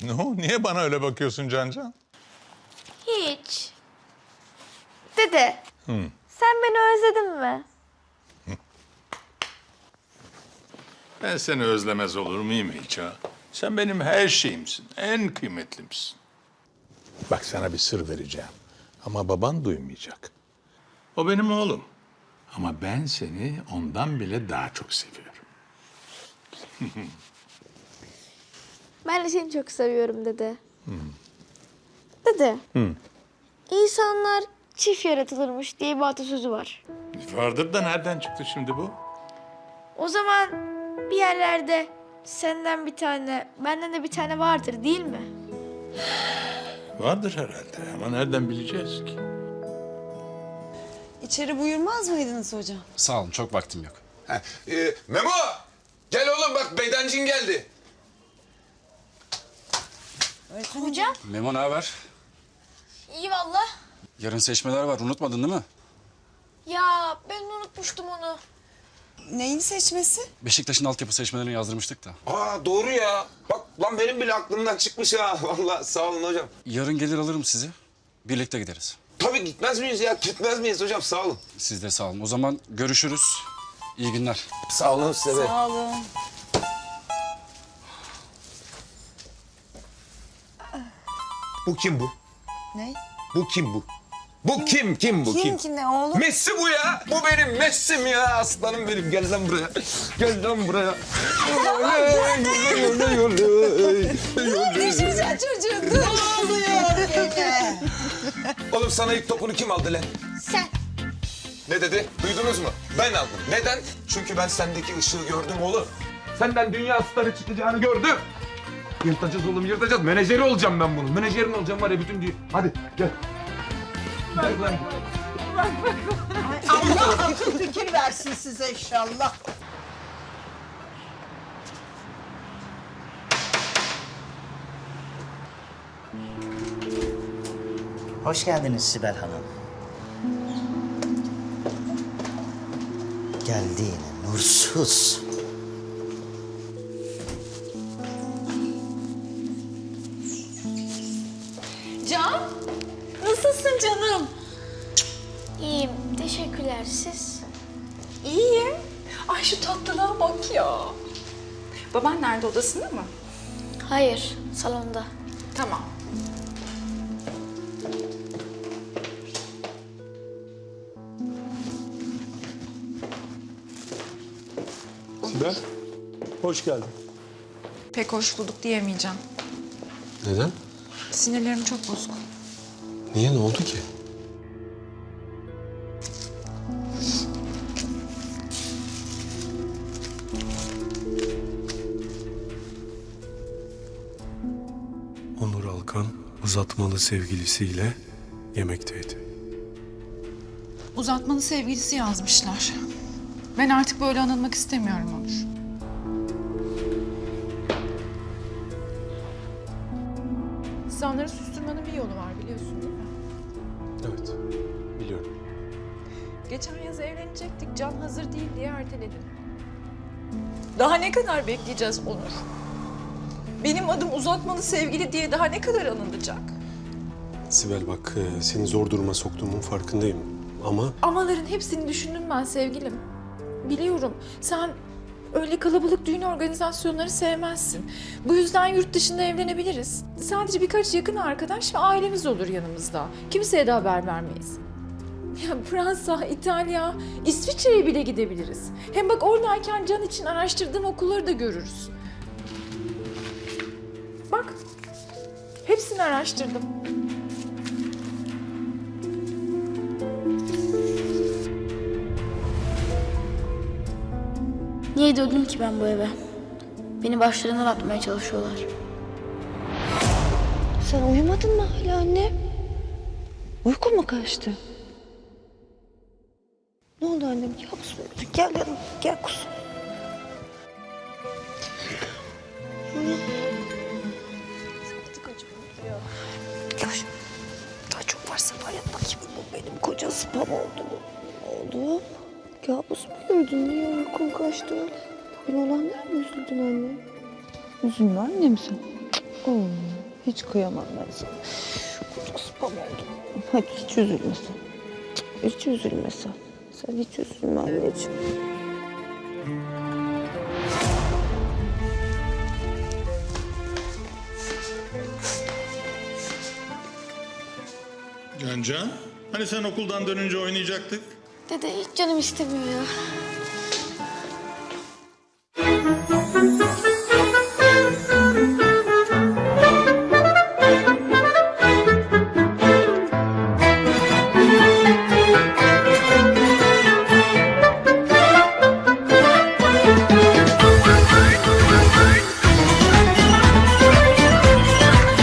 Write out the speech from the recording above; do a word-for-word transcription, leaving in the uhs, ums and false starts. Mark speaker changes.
Speaker 1: Ne o? Niye bana öyle bakıyorsun Cancan?
Speaker 2: Hiç. Dede,
Speaker 1: Hı.
Speaker 2: sen beni özledin mi?
Speaker 1: Ben seni özlemez olur muyum hiç ha? Sen benim her şeyimsin, en kıymetlimsin. Bak sana bir sır vereceğim. Ama baban duymayacak. O benim oğlum. Ama ben seni ondan bile daha çok seviyorum.
Speaker 2: Ben de seni çok seviyorum dede. Dede, insanlar çift yaratılırmış diye bir atasözü var.
Speaker 1: Vardır da nereden çıktı şimdi bu?
Speaker 2: O zaman bir yerlerde senden bir tane, benden de bir tane vardır değil mi?
Speaker 1: Vardır herhalde ama nereden bileceğiz ki?
Speaker 3: İçeri buyurmaz mıydınız hocam?
Speaker 4: Sağ olun, çok vaktim yok.
Speaker 5: Heh, e, Memo! Gel oğlum bak Beydancın geldi.
Speaker 2: Hocam?
Speaker 4: Memo ne haber?
Speaker 2: İyi valla.
Speaker 4: Yarın seçmeler var, unutmadın değil mi?
Speaker 2: Ya ben unutmuştum onu.
Speaker 3: Neyin seçmesi?
Speaker 4: Beşiktaş'ın altyapı seçmelerini yazdırmıştık da.
Speaker 5: Aa doğru ya. Bak lan benim bile aklımdan çıkmış ha. Vallahi sağ olun hocam.
Speaker 4: Yarın gelir alırım sizi. Birlikte gideriz.
Speaker 5: Tabii gitmez miyiz ya? Gitmez miyiz hocam? Sağ olun.
Speaker 4: Siz de sağ olun. O zaman görüşürüz. İyi günler.
Speaker 5: Sağ olun size de.
Speaker 3: Sağ olun.
Speaker 5: Bu kim bu?
Speaker 3: Ne?
Speaker 5: Bu kim bu? Bu kim? Kim bu?
Speaker 3: Kim
Speaker 5: Kim?
Speaker 3: ki ne oğlum?
Speaker 5: Messi bu ya. Bu benim Messi'm ya. Aslanım benim. Gel lan buraya. Gel lan buraya. Oley, oley, oley, oley.
Speaker 3: Düşeceksin çocuğun. Ne oluyor gene?
Speaker 5: Oğlum sana ilk topunu kim aldı lan?
Speaker 2: Sen.
Speaker 5: Ne dedi? Duydunuz mu? Ben aldım. Neden? Çünkü ben sendeki ışığı gördüm oğlum. Senden dünya starı çıkacağını gördüm. Yırtacağız oğlum, yırtacağız. Menajeri olacağım ben bunun. Menajerin olacağım var ya bütün dünya. Hadi gel. Gel lan.
Speaker 6: Allah akıl fikir versin size inşallah.
Speaker 7: Hoş geldiniz Sibel Hanım. Geldi yine nursuz.
Speaker 3: Can, nasılsın canım?
Speaker 2: İyiyim, teşekkürler. Siz?
Speaker 8: İyiyim. Ay şu tatlılığa bak ya. Baban nerede, odasında mı?
Speaker 2: Hayır, salonda.
Speaker 8: Tamam.
Speaker 9: Sibel, hoş geldin.
Speaker 8: Pek hoş bulduk diyemeyeceğim.
Speaker 9: Neden?
Speaker 8: Sinirlerim çok bozuk.
Speaker 9: Niye, ne oldu ki? Onur Alkan uzatmalı sevgilisiyle yemekteydi.
Speaker 8: Uzatmalı sevgilisi yazmışlar. Ben artık böyle anılmak istemiyorum Onur. İnsanları susturmanın bir yolu var biliyorsun değil mi?
Speaker 9: Evet, biliyorum.
Speaker 8: Geçen yaz evlenecektik. Can hazır değil diye erteledim. Daha ne kadar bekleyeceğiz Onur? Benim adım uzatmalı sevgili diye daha ne kadar anılacak?
Speaker 9: Sibel bak, e, seni zor duruma soktuğumun farkındayım ama...
Speaker 8: Amaların hepsini düşündüm ben sevgilim. Biliyorum sen öyle kalabalık düğün organizasyonları sevmezsin. Bu yüzden yurt dışında evlenebiliriz. Sadece birkaç yakın arkadaş ve ailemiz olur yanımızda. Kimseye de haber vermeyiz. Ya Fransa, İtalya, İsviçre'ye bile gidebiliriz. Hem bak oradayken Can için araştırdığım okulları da görürüz. Bak, hepsini araştırdım.
Speaker 2: Niye döndüm ki ben bu eve? Beni başlarından atmaya çalışıyorlar.
Speaker 3: Sen uyumadın mı hala anne? Uykun mu kaçtı? Ne oldu annem? Kabus mu gördün? Gel yanıma, gel kuzum. Artık acımadı ya. Gel. Daha çok varsa bayat bakayım. Bu benim koca sıpam oldu mu? Oğlum, kabus mu gördün? Niye uykun kaçtı öyle? Bugün olanlara mı üzüldün anne? Üzülme annem sen. Oo, hiç kıyamam ben sana. Kocası baba oldum. Hadi hiç üzülme sen. Hiç üzülme sen. Sen hiç üzülme anneciğim.
Speaker 1: Cancan, hani sen okuldan dönünce oynayacaktık?
Speaker 2: Dede hiç canım istemiyor ya.